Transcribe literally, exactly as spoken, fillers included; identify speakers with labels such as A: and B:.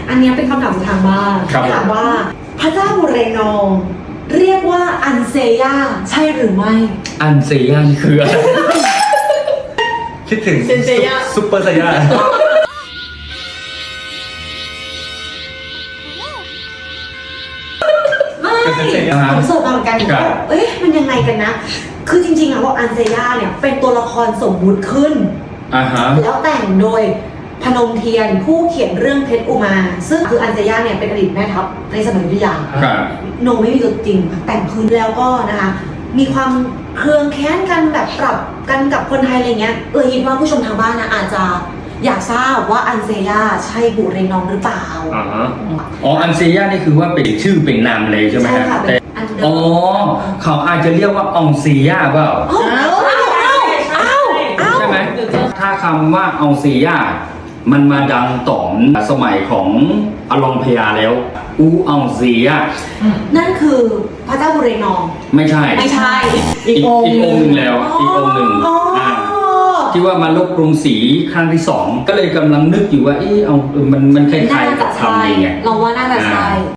A: อันนี้เป็นคำถามทางบ้าน
B: ครับ
A: ถามว่าพระเจ้าบุเรนองเรียกว่าอันเซย่าใช่หรือไม่
B: อันเซียนคืออะไร
C: คิดถึง
A: เซนเซย่า
C: ซุปเปอร์ไซย่า
A: ไม่
C: เป็นเซนเซย่า
A: ผมเสิร์ชมาเหมือนกัน
B: ครับ
A: เอ้ยมันยังไงกันนะ คือจริงๆอะว่าอันเซย่าเนี่ยเป็นตัวละครสมมุติขึ้น
B: อ่าฮะ
A: แล้วแต่งโดยพนมเทียนผู้เขียนเรื่องเพชรอุมา ซึ่งคืออันเซย่าเนี่ยเป็นอดีตแม่ทัพในสมัยอยุธยา
B: ครับ
A: โนไม่มีตัวจริงแต่งขึ้นแล้วก็นะคะมีความเครืองแค้นกันแบบปรับกันกับคนไทยอะไรเงี้ยเออคิดว่าผู้ชมทางบ้านนะอาจจะอยากทราบว่าอันเซย่าใช่บุเรนองหรือเปล่า
B: อ่าฮะอ๋ออันเซียนนี่คือว่าเป็นชื่อเป็นนามเลยใช่ไหม
A: ใช่
B: ฮะ
A: ค่ะเป็
B: แต่
A: นอันเดอ
B: อ๋อ
A: ร์
B: เขาอาจจะเรียกว่าอองเซียเปล่า
A: เอ้าเอ้าเอ้าเอ้าเอ้า
B: ใช่ไหมถ้าคำว่าอองเซียมันมาดังตอนสมัยของอลองพญาแล้ว อูอองเซีย
A: นั่นคือพระเจ้าบุเรนอง
B: ไม่ใช่
A: ไม่ใช่
B: อีกอีกองค์หนึ่งแล้ว อีกองค์หนึ่ง
A: อ๋ออ่
B: าที่ว่ามาลบกรุงศรีครั้งที่สองก็เลยกำลังนึกอยู่ว่าเออเอาเออมันมันคล้าย
A: น่า
B: ๆกั
A: จะ
B: บ
A: ใช่
B: คำนี้ไง
A: เราว่าน่าจะใช่